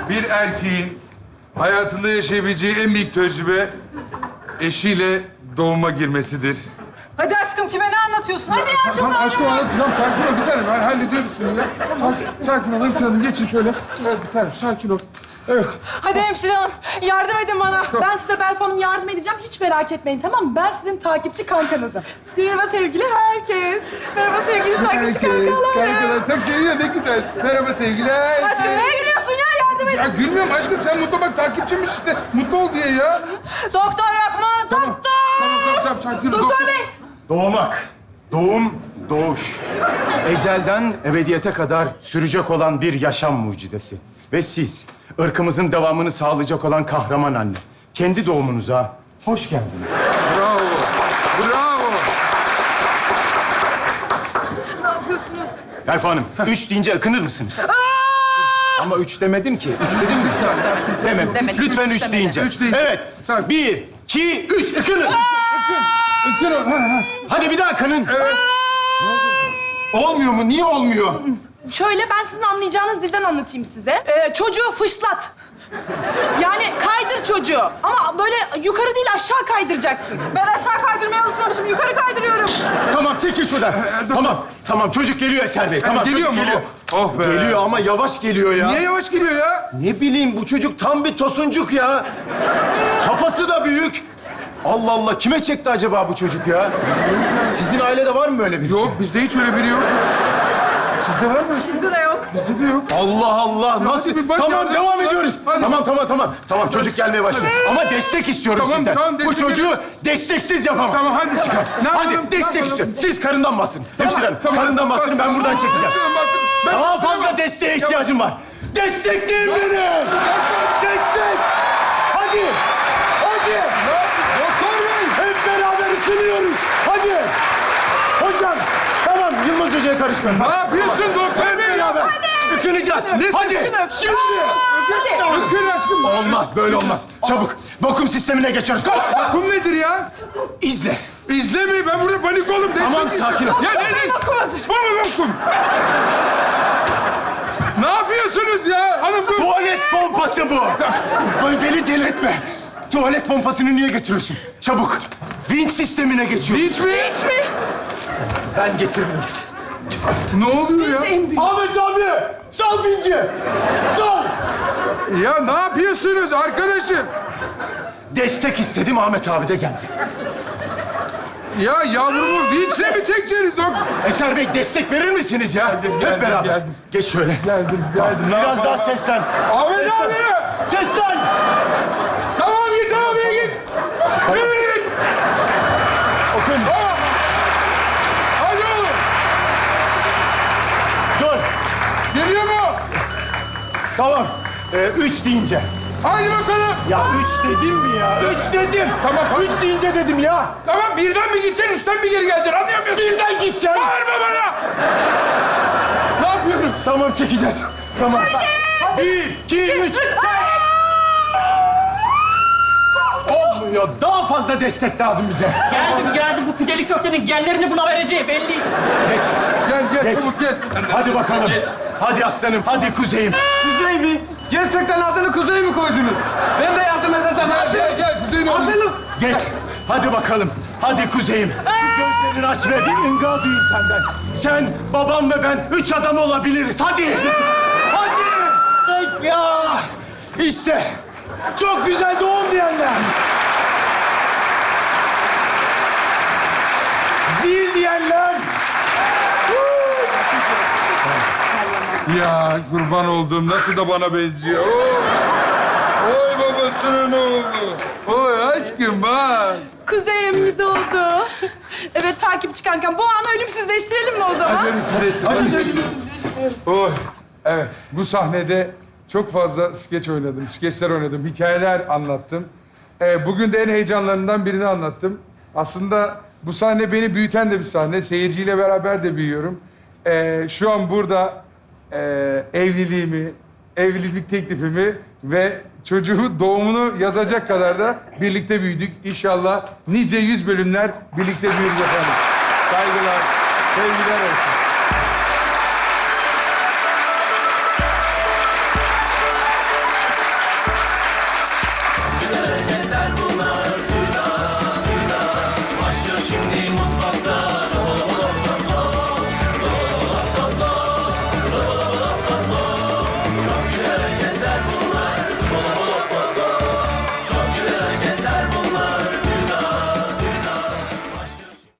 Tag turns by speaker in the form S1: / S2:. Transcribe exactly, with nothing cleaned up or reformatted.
S1: Bir erkeğin hayatında yaşayabileceği en büyük tecrübe eşiyle doğuma girmesidir.
S2: Hadi aşkım kime ne anlatıyorsun? Hadi ya çok
S1: Tamam aşkım anlatacağım. Sakin ol bir tanem. Ben hallediyoruz şunu ya. Sakin, sakin ol hemşire hanım. Geçin şöyle. Evet bir tanem sakin ol. Evet.
S2: Hadi hemşire hanım yardım edin bana.
S3: Ben size Berfu Hanım yardım edeceğim. Hiç merak etmeyin, tamam mı? Ben sizin takipçi kankanızım. Merhaba sevgili herkes.
S2: Merhaba sevgili takipçi kankalar.
S1: Kankalar çok seviyor ne güzel. Merhaba sevgiler.
S2: Aşkım neye gülüyorsun ya yardım edin.
S1: Ya gülmüyorum aşkım. Sen mutlu bak takipçiymiş işte. Mutlu ol diye ya.
S2: Doktor yok mu? Doktor.
S1: Tamam tamam tamam. sakin ol.
S3: Doktor Bey.
S4: Doğmak, doğum, doğuş. Ezelden ebediyete kadar sürecek olan bir yaşam mucizesi. Ve siz, ırkımızın devamını sağlayacak olan kahraman anne. Kendi doğumunuza hoş geldiniz.
S1: Bravo. Bravo.
S2: Ne yapıyorsunuz?
S4: Berfu Hanım, üç deyince ıkınır mısınız? Ama üç demedim ki. Üç dedim mi? Demedim.
S3: Demedim.
S4: Lütfen
S3: Üç
S4: üç
S3: demedim.
S4: deyince.
S1: Üç deyince.
S4: Evet.
S1: Sakin.
S4: Bir, iki, üç. Ikının.
S1: Ökür ol. Ha, ha.
S4: Hadi bir daha ıkının. Olmuyor mu? Niye olmuyor?
S3: Şöyle ben sizin anlayacağınız dilden anlatayım size. Ee, çocuğu fışlat. Yani kaydır çocuğu. Ama böyle yukarı değil aşağı kaydıracaksın.
S2: Ben aşağı kaydırmaya alışmamışım. Yukarı kaydırıyorum.
S4: Tamam, çekil şuradan. Tamam, tamam. Çocuk geliyor Eser Bey. Tamam,
S1: geliyor
S4: çocuk
S1: mu?
S4: geliyor.
S1: Oh be.
S4: Geliyor ama yavaş geliyor ya.
S1: Niye yavaş geliyor ya?
S4: Ne bileyim, bu çocuk tam bir tosuncuk ya. Kafası da büyük. Allah Allah, kime çekti acaba bu çocuk ya? Sizin ailede var mı böyle birisi?
S1: Yok bizde hiç öyle biri yok. Sizde var mı?
S2: Bizde de yok.
S1: Bizde de yok.
S4: Allah Allah, nasıl?
S1: bir bak
S4: Tamam,
S1: ya,
S4: devam
S1: hadi.
S4: ediyoruz.
S1: Hadi.
S4: Tamam, tamam, tamam. Tamam, çocuk gelmeye başladı. Ama destek istiyorum
S1: Tamam,
S4: sizden.
S1: tamam,
S4: Bu
S1: destek
S4: çocuğu desteksiz yapamam.
S1: Tamam hadi çıkar. Ne
S4: Hadi,
S1: yapalım?
S4: destek
S1: Ne yapalım?
S4: istiyorum. Siz karından basın. Hemşire hanım,
S1: Tamam,
S4: karından
S1: tamam.
S4: bastırın, ben buradan çekeceğim.
S1: Hemşire hanım, bakın, ben-
S4: Daha fazla
S1: Tamam.
S4: desteğe ihtiyacım var. Destekleyin beni! Destek! Hadi! Hadi!
S1: Doktor Bey!
S4: Hep beraber ikiliyoruz. Hadi! Hocam, tamam Yılmaz Hoca'ya karışmayın.
S1: Ne yapıyorsun doktor
S4: Hep
S1: bey?
S4: beraber ikileceğiz.
S1: Ne
S4: Hadi!
S1: sakın-
S4: Şimdi!
S1: Hadi. Ökür aşkım.
S4: Olmaz, böyle olmaz. Çabuk, vakum sistemine geçiyoruz. Koş!
S1: Kum nedir ya?
S4: İzle.
S1: İzleme ben burada panik oldum.
S4: Tamam,
S1: Destek
S4: sakin ol.
S1: istiyorum. Ya ne ne?
S2: Vakum hazır.
S1: Bu mu vakum? Ne yapıyorsunuz ya? Hanım dur.
S4: Tuvalet pompası bu. Bay beni delirtme. Tuvalet pompasını niye getiriyorsun? Çabuk. Vinç sistemine geçiyoruz.
S1: Hiç mi?
S2: Hiç mi?
S4: Ben getirmiyorum.
S1: Ne oluyor ya?
S2: En büyük.
S4: Ahmet abi! Sal vinci! Sal!
S1: Ya ne yapıyorsunuz arkadaşım?
S4: Destek istedim, Ahmet abi de geldi.
S1: Ya yavrumu vinçle mi çekeceğiniz dok?
S4: Eser Bey, destek verir misiniz ya?
S1: geldim,
S4: Hep beraber.
S1: geldim.
S4: Geç şöyle.
S1: Geldim geldim. Ne
S4: Biraz
S1: yapalım?
S4: daha seslen.
S1: Ahmet
S4: Seslen.
S1: abi!
S4: Seslen!
S1: Tamam git tamam git. Git.
S4: Okun.
S1: Tamam. Hadi oğlum.
S4: Dur.
S1: Geliyor mu?
S4: Tamam. Ee, üç deyince.
S1: Hadi bakalım.
S4: Ya üç dedim mi ya? Üç dedim.
S1: Tamam, tamam.
S4: Üç deyince dedim ya.
S1: Tamam birden mi gideceksin, üçten mi geri geleceksin? Anlayamıyorsun.
S4: Birden gideceğim.
S1: Bağırma bana. Ne yapıyoruz?
S4: Tamam, çekeceğiz. Tamam. Bir, iki, üç. Çek. Olmuyor. Daha fazla destek lazım bize.
S5: Geldim geldim bu pideli köftenin genlerini buna vereceği belli.
S4: Geç.
S1: Gel gel
S4: Geç.
S1: çabuk gel.
S4: Hadi bakalım. Hadi aslanım. Hadi kuzeyim.
S6: Kuzey mi? Gerçekten adını Kuzey mi koydunuz? Ben de yardım edeceğim.
S1: Gel gel gel Kuzey'in oğlum.
S6: Aslanım.
S4: Geç. Hadi bakalım. Hadi kuzeyim. Gözlerini aç ve bir ınga duyayım senden. Sen, babam ve ben üç adam olabiliriz. Hadi. Hadi. Çek ya. İşte. Çok güzel doğum diyenler. Zil diyenler.
S1: Ya kurban olduğum nasıl da bana benziyor. Oo. Oy babasının oğlu. Oy aşkım bak.
S3: Kuzey emmi doğdu. Evet takipçi kankam. Bu anı ölümsüzleştirelim mi o zaman?
S1: Hadi ölümsüzleştir. Oy. Evet bu sahnede çok fazla skeç oynadım, skeçler oynadım, hikayeler anlattım. Ee, bugün de en heyecanlarından birini anlattım. Aslında bu sahne beni büyüten de bir sahne. Seyirciyle beraber de büyüyorum. Ee, şu an burada e, evliliğimi, evlilik teklifimi ve çocuğu doğumunu yazacak kadar da birlikte büyüdük. İnşallah nice yüz bölümler birlikte büyürüz efendim. Saygılar, sevgiler olsun.